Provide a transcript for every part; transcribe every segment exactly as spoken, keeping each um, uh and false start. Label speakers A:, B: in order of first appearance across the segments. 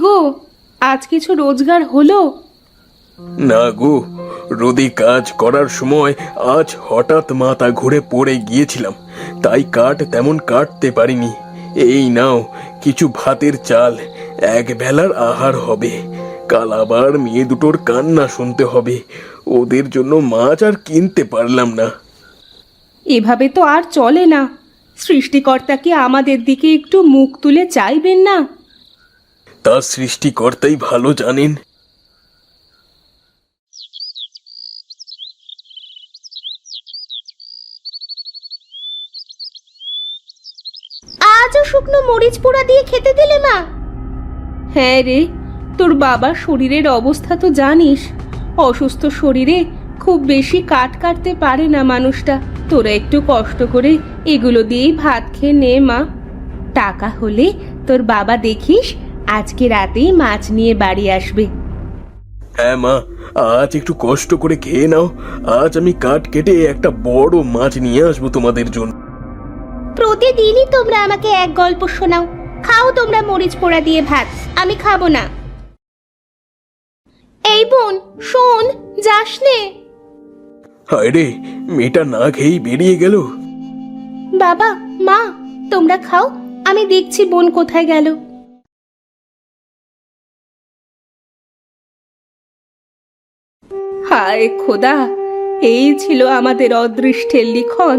A: গো, আজ কিছু রোজগার হলো?
B: না গো, রোদে কাজ করার সময় আজ হঠাৎ মাথা ঘুরে পড়ে গিয়েছিলাম, তাই কাঠ তেমন কাটতে পারিনি। এই নাও কিছু ভাতের চাল, এক বেলার আহার হবে। কাল আবার মেয়ে দুটোর কান্না শুনতে হবে, ওদের জন্য মাছ আর কিনতে পারলাম না।
A: এভাবে তো আর চলে না। সৃষ্টিকর্তা কি আমাদের দিকে একটু মুখ তুলে চাইবেন না?
B: তা সৃষ্টিকর্তাই ভালো জানেন।
A: আজও শুকনো মরিচ পোড়া দিয়ে খেতে দিলে মা? হ্যাঁ রে, তোর বাবার শরীরের অবস্থা তো জানিস। অসুস্থ শরীরে খুব বেশি কাট কাটতে পারে না মানুষটা। তোরা একটু কষ্ট করে এগুলো দিয়েই ভাত খেয়ে নে মা। টাকা হলে তোর বাবা দেখিস আজকে রাতেই মাছ নিয়ে বাড়ি আসবে।
B: হ্যাঁ মা, আজ একটু কষ্ট করে খেয়ে নাও। আজ আমি কাঠ কেটে একটা বড় মাছ নিয়ে আসবো তোমাদের জন্য।
A: প্রতিদিনই তোমরা আমাকে এক গল্প শোনাও। খাও তোমরা মরিচ পোড়া দিয়ে ভাত, আমি খাবো না। এই বোন শোন, যাস নে।
B: হায় রে, মেয়েটা না খেয়েই বেরিয়ে গেল।
A: বাবা মা, তোমরা খাও, আমি দেখছি বোন কোথায় গেল। হায় খোদা, এই ছিল আমাদের অদৃষ্টের লিখন।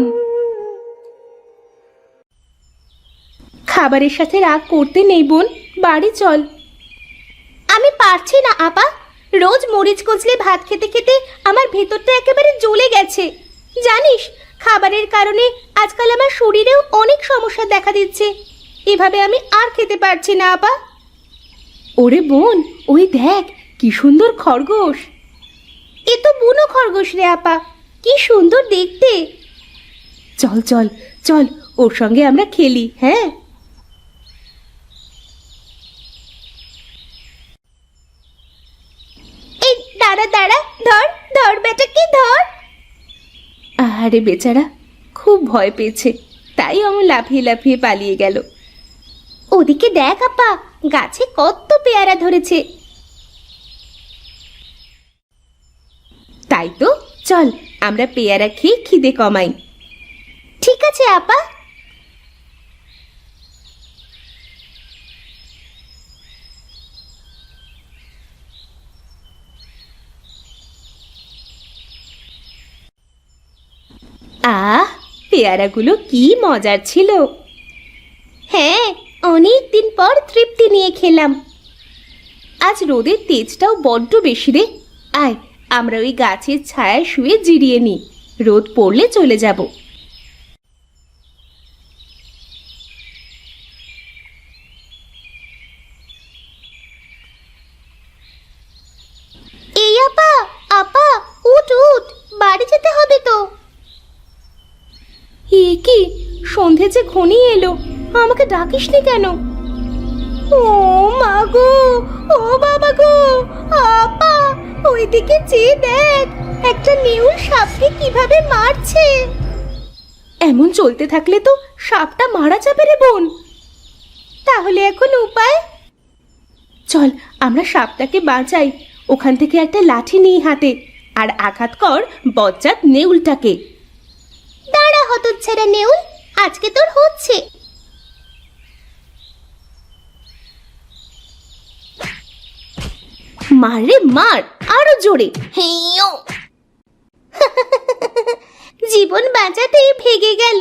A: খাবারের সাথে রাগ করতে নেই বোন, বাড়ি চল। আমি পারছি না আপা, রোজ মরিচ কচলে ভাত খেতে খেতে আমার ভেতরটা একেবারে জ্বলে গেছে। জানিস, খাবারের কারণে আজকাল আমার শরীরেও অনেক সমস্যা দেখা দিচ্ছে। এভাবে আমি আর খেতে পারছি না আপা। ওরে বোন, ওই দেখ কি সুন্দর খরগোশ। এ তো বুনো খরগোশ রে আপা, কি সুন্দর দেখতে। চল চল চল, ওর সঙ্গে আমরা খেলি। হ্যাঁ, এই দাঁড়া দাঁড়া, ধর ধর বেটাকে ধর। আরে বেচারা খুব ভয় পেয়েছে, তাই অমন লাফিয়ে লাফিয়ে পালিয়ে গেল। ওদিকে দেখ আপা, গাছে কত পেয়ারা ধরেছে। তাই তো, চল আমরা পেয়ারা খেয়ে খিদে কমাই। ঠিক আছে আপা। আহ, পেয়ারাগুলো কি মজার ছিল। হ্যাঁ, অনেক দিন পর তৃপ্তি নিয়ে খেলাম। আজ রোদের তেজটাও বড্ড বেশি রে। আয়, আমরা ওই গাছের ছায়ায় শুয়ে জিরিয়ে নিই, রোদ পড়লে চলে যাব। এই আপা, আপা উঠ উঠ, বাড়ি যেতে হবে তো। এ কি, সন্ধে যে ঘনিয়ে এলো, আমাকে ডাকিসনি কেন? ও মা গো, ও বাবা গো, আপা ওইদিকে চেয়ে দেখ, একটা নেউল সাপকে কিভাবে মারছে। এমন চলতে থাকলে তো সাপটা মারা যাবে রে বোন। তাহলে এখন উপায়? চল আমরা সাপটাকে বাঁচাই। ওখান থেকে একটা লাঠি নিই হাতে, আর আঘাত কর বজ্জাত নেউলটাকে। দাঁড়া হতচ্ছাড়া নেউল, আজকে তোর হচ্ছে। মার রে মার, আরো জোরে। হেইও, জীবন বাঁচাতে ভেগে গেল।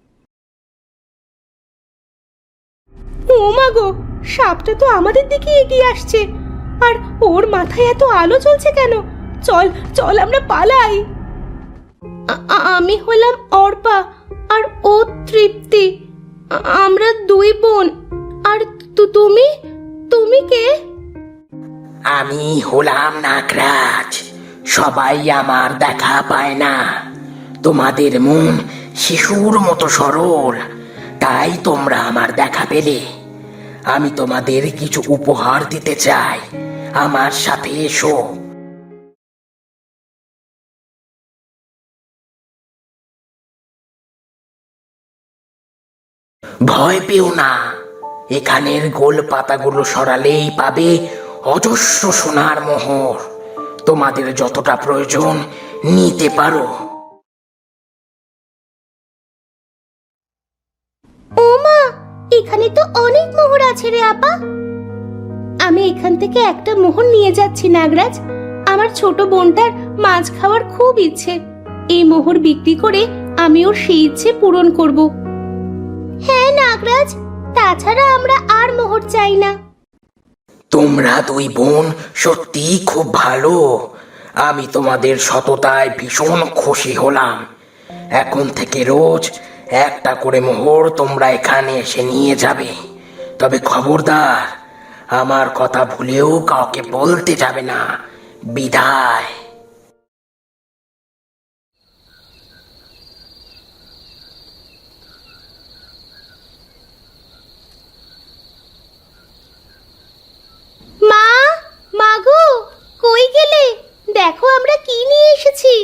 A: ও মা গো, সাপটা তো আমাদের দিকে এগিয়ে আসছে, আর ওর মাথায় এত আলো জ্বলছে কেন? চল চল আমরা পালাই। আমি হলাম অর্পা, আর ও তৃপ্তি। আমরা দুই বোন। আর তুমি তুমি কে?
C: আমি হলাম নাগরাজ। সবাই আমার দেখা পায় না। তোমাদের মন শিশুর মতো সরল, তাই তোমরা আমার দেখা পেলে। আমি তোমাদের কিছু উপহার দিতে চাই, আমার সাথে এসো। ভয় পেও না, এখানের গোল পাতাগুলো সরালেই পাবে অজস্র সোনার মোহর। তোমাদের যতটা প্রয়োজন নিতে পারো।
A: ও মা, এখানে তো অনেক মোহর আছে রে আপা। আমি এখান থেকে একটা মোহর নিয়ে যাচ্ছি নাগরাজ। আমার ছোট বোনটার মাছ খাওয়ার খুব ইচ্ছে। এই মোহর বিক্রি করে আমি ওর সেই ইচ্ছে পূরণ করব। হ্যাঁ নাগরাজ, তাছাড়া আমরা আর মোহর চাই না।
C: তোমরা দুই বোন সত্যি খুব ভালো। আমি তোমাদের সততায় ভীষণ খুশি হলাম। এখন থেকে রোজ একটা করে মোহর তোমরা এখানে এসে নিয়ে যাবে। তবে খবরদার, আমার কথা ভুলেও কাউকে বলতে যাবে না। বিদায়।
A: মা, মাগো, কই গেলে? দেখো আমরা কি নিয়ে এসেছি।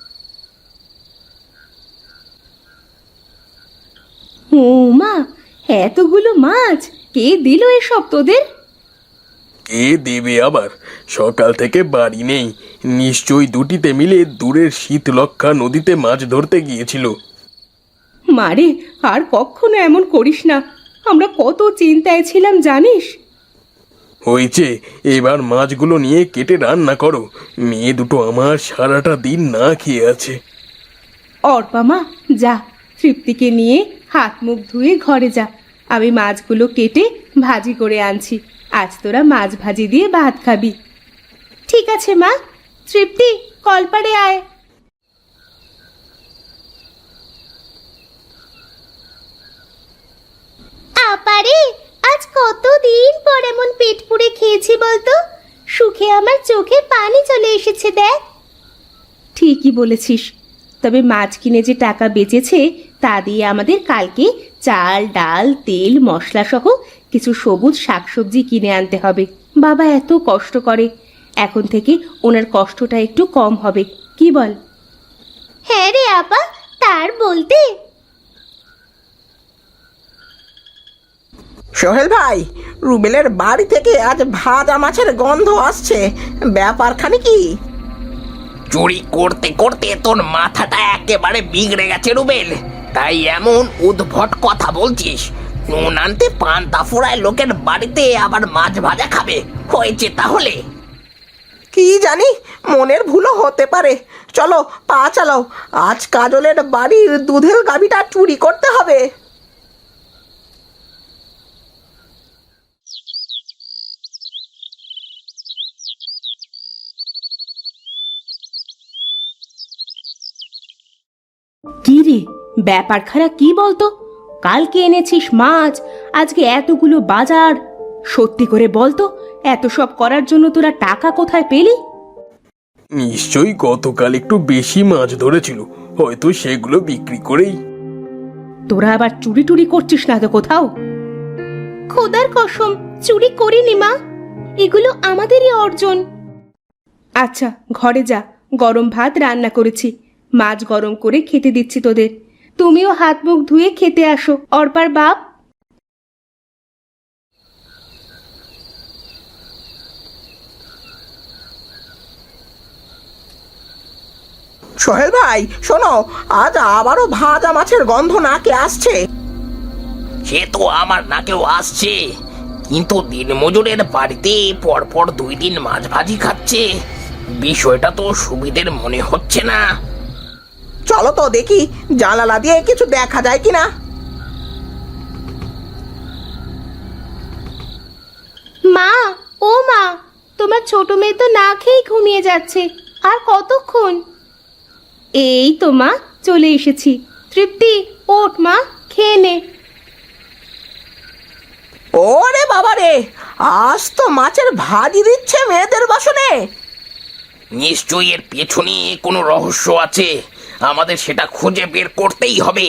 A: ও মা, এতগুলো মাছ কে দিল এসব তোদের?
B: কে দেবে আবার? সকাল থেকে বাড়ি নেই, নিশ্চয়ই দুটিতে মিলে দূরের শীতলক্ষা নদীতে মাছ ধরতে গিয়েছিল।
A: মারে, আর কখনো এমন করিস না। আমরা কত চিন্তায় ছিলাম জানিস।
B: হয়েছে, এবার মাছগুলো নিয়ে কেটে রান্না করো। মেয়ে দুটো আমার সারাটা দিন না খেয়ে আছে।
A: অর্পা মা, যা, তৃপ্তিকে নিয়ে হাত মুখ ধুয়ে ঘরে যা। আমি মাছগুলো কেটে ভাজি করে আনছি। আজ তোরা মাছ ভাজি দিয়ে ভাত খাবি। ঠিক আছে মা। তৃপ্তি, কলপাড়ে আয়। আপারে, আজ কতদিন পর এমন পেট পুড়ে খেয়েছি বলতো। সুখে আমার চোখে পানি চলে এসেছে দেখ। ঠিকই বলেছিস। তবে মাছ কিনে যে টাকা বেঁচেছে তা দিয়ে আমাদের কালকে চাল, ডাল, তেল, মশলা সহ কিছু সবুজ শাকসবজি কিনে আনতে হবে। বাবা এত কষ্ট করে, এখন থেকে ওনার কষ্টটা একটু কম হবে। কি বল? হ্যাঁ রে আপা, তার বলতে।
D: সোহেল ভাই, রুবেলের বাড়ি থেকে আজ ভাজা মাছের গন্ধ আসছে। ব্যাপারখানে কি?
C: চুরি করতে করতে তোর মাথাটা একেবারে বিগড়ে গেছে রুবেল, তাই এমন উদ্ভট কথা বলছিস। নুন আনতে পান্তা ফুরায় লোকের বাড়িতে আবার মাছ ভাজা খাবে। হয়েছে তাহলে?
D: কি জানি, মনের ভুলও হতে পারে। চলো, পা চালাও। আজ কাজলের বাড়ির দুধের গাভীটা চুরি করতে হবে।
A: কি রে, ব্যাপার খারাপ কি বলতো? কালকে এনেছিস মাছ, আজকে এতগুলো বাজার। সত্যি করে বলতো, এত সব করার জন্য তোরা টাকা কোথায় পেলি?
B: নিশ্চয়ই গতকাল একটু বেশি মাছ ধরেছিল, হয়তো সেগুলো বিক্রি করেই।
A: তোরা আবার চুরি টুরি করছিস না তো কোথাও? খোদার কসম, চুরি করিনি মা। এগুলো আমাদেরই অর্জন। আচ্ছা, ঘরে যা, গরম ভাত রান্না করেছি। মাছ গরম করে খেতে দিচ্ছি তোদের। তুমিও হাত মুখ ধুয়ে খেতে আসো, অর্পার বাপ।
D: সোহেল ভাই শোনো, আজ আবারও ভাজা মাছের গন্ধ নাকে আসছে।
C: সে তো আমার নাকেও আসছে, কিন্তু দিনমজুরের বাড়িতে পরপর দুই দিন মাছ ভাজি খাচ্ছে। বিষয়টা তো সুবিধের মনে হচ্ছে না।
D: চলো তো দেখি, জানালা দিয়ে কিছু দেখা যায় কিনা।
A: মা, ও মা, তোমার ছোট মেয়ে তো না খেয়ে ঘুমিয়ে যাচ্ছে। আর কতক্ষণ? এই তো মা, চলে এসেছি। তৃপ্তি, ওঠ মা, খেয়ে নে।
D: ওরে বাবা রে, আজ তো মাছের ভাজি দিচ্ছে মেয়েদের বাসনে।
C: নিশ্চয়ই এর পেছনে কোনো রহস্য আছে, আমাদের সেটা খুঁজে বের করতেই হবে।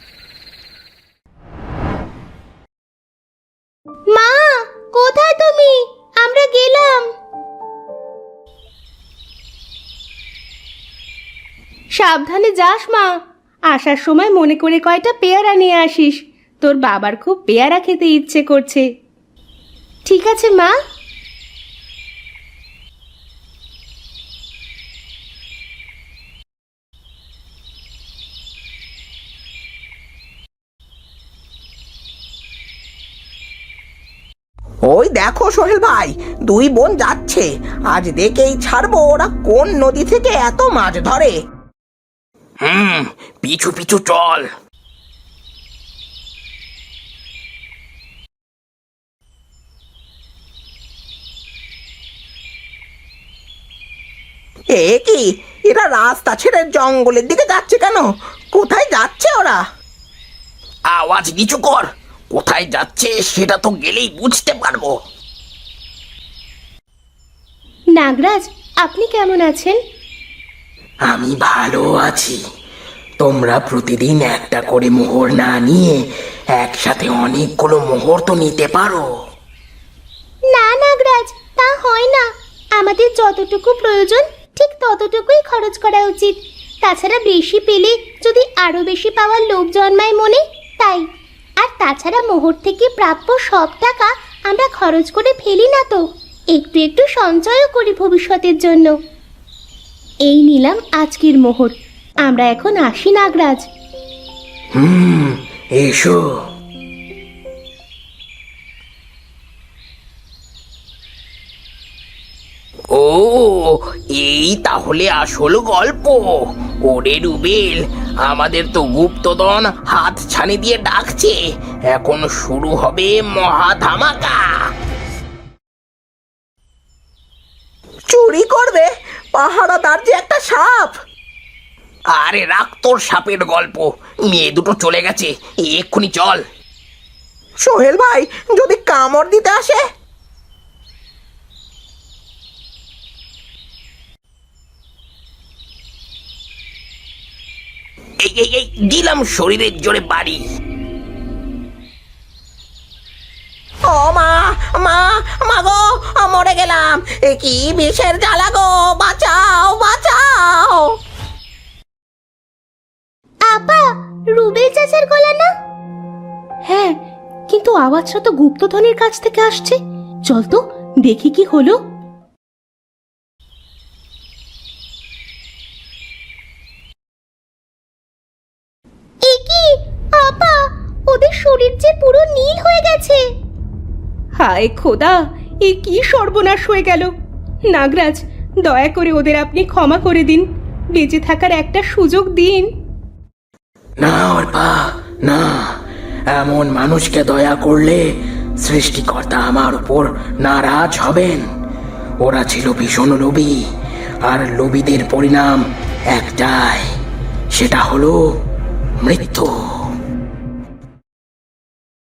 A: মা, কোথায় তুমি? আমরা গেলাম। সাবধানে যাস মা। আসার সময় মনে করে কয়টা পেয়ারা নিয়ে আসিস। তোর বাবার খুব পেয়ারা খেতে ইচ্ছে করছে। ঠিক আছে মা।
D: ওই দেখো সোহেল ভাই, দুই বোন যাচ্ছে। আজ দেখেই ছাড়বো ওরা কোন নদী থেকে এত মাছ ধরে।
C: হুম, পিছু পিছু চল।
D: এ কি, এরা রাস্তা ছেড়ে জঙ্গলের দিকে যাচ্ছে কেন? কোথায় যাচ্ছে ওরা?
C: আওয়াজ নিচু কর, কোথায় যাচ্ছে সেটা তো গেলেই বুঝতে পারবো।
A: নাগরাজ, আপনি কেমন আছেন?
C: আমি ভালো আছি। তোমরা প্রতিদিন একটা করে মোহর না নিয়ে একসাথে অনেকগুলো মোহর তো নিতে পারো।
A: না নাগরাজ, তা হয় না। আমাদের যতটুকু প্রয়োজন ঠিক ততটুকুই খরচ করা উচিত। তাছাড়া বেশি পেলে যদি আরো বেশি পাওয়ার লোভ জন্মায় মনে, তাই। আর তাছাড়া মোহর থেকে প্রাপ্য সব টাকা আমরা খরচ করে ফেলি না তো, একটু একটু সঞ্চয়ও করি ভবিষ্যতের জন্য। এই নিলাম আজকের মোহর। আমরা এখন আসি নাগরাজ।
C: হুম, এসো। ও, এই তাহলে আসল গল্প। ওরে রুবেল, আমাদের তো গুপ্তধন হাত ছানি দিয়ে ডাকছে। এখন শুরু হবে মহা ধামাকা।
D: চুরি করবে? পাহারাদার যে একটা সাপ।
C: আরে রাখ তোর সাপের গল্প, মেয়ে দুটো চলে গেছে, এক্ষুনি চল।
D: সোহেল ভাই, যদি কামড় দিতে আসে?
C: এই এই এই দিলাম শরীরের জোরে বাড়ি।
D: ও মা, মা, মা গো, মরে গেলাম। এ কি বিষের জ্বালা গো, বাঁচাও, বাঁচাও।
A: আপা, রুবেল চাচার গলা না? হ্যাঁ, কিন্তু আওয়াজটা তো গুপ্তধনের কাছ থেকে আসছে। চল তো দেখি কি হলো। এ কি আপা, ওদের শরীর যে পুরো নীল হয়ে গেছে। হায় খোদা, এ কি সর্বনাশ হয়ে গেল। নাগরাজ, দয়া করে ওদের আপনি ক্ষমা করে দিন, বেঁচে থাকার একটা সুযোগ দিন।
C: না অর্পা, না, এমন মানুষকে দয়া করলে সৃষ্টিকর্তা আমার উপর নারাজ হবেন। ওরা ছিল ভীষণ লোভী, আর লোভীদের পরিণাম একটাই, সেটা হলো মৃত্যু।